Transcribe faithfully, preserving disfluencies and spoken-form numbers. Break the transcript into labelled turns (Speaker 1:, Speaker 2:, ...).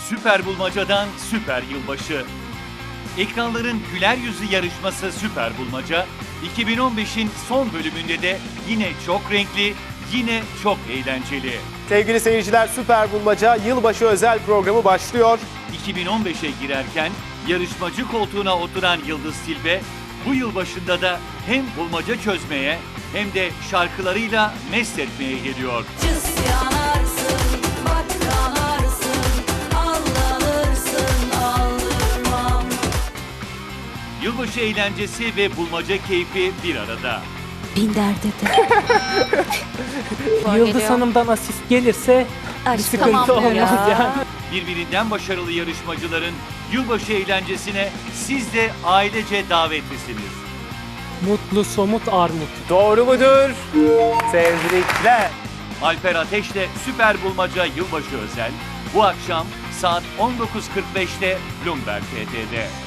Speaker 1: Süper Bulmaca'dan Süper Yılbaşı. Ekranların güler yüzü yarışması Süper Bulmaca, iki bin on beşin son bölümünde de yine çok renkli, yine çok eğlenceli.
Speaker 2: Sevgili seyirciler, Süper Bulmaca yılbaşı özel programı başlıyor.
Speaker 1: iki bin on beşe girerken yarışmacı koltuğuna oturan Yıldız Tilbe, bu yılbaşında da hem bulmaca çözmeye hem de şarkılarıyla mest etmeye geliyor.
Speaker 3: Cız yanarsın, bak kanarsın, aldanırsın, aldırmam.
Speaker 1: Yılbaşı eğlencesi ve bulmaca keyfi bir arada.
Speaker 4: Bin derde
Speaker 5: Yıldız Hanım'dan asist gelirse bir sıkıntı
Speaker 4: tamam
Speaker 5: olmaz
Speaker 4: ya.
Speaker 5: yani.
Speaker 1: Birbirinden başarılı yarışmacıların yılbaşı eğlencesine siz de ailece davetlisiniz.
Speaker 5: Mutlu somut armut.
Speaker 2: Doğru mudur? Tebrikler.
Speaker 1: Alper Ateş'le Süper Bulmaca Yılbaşı Özel bu akşam saat on dokuz kırk beşte Bloomberg T T'de.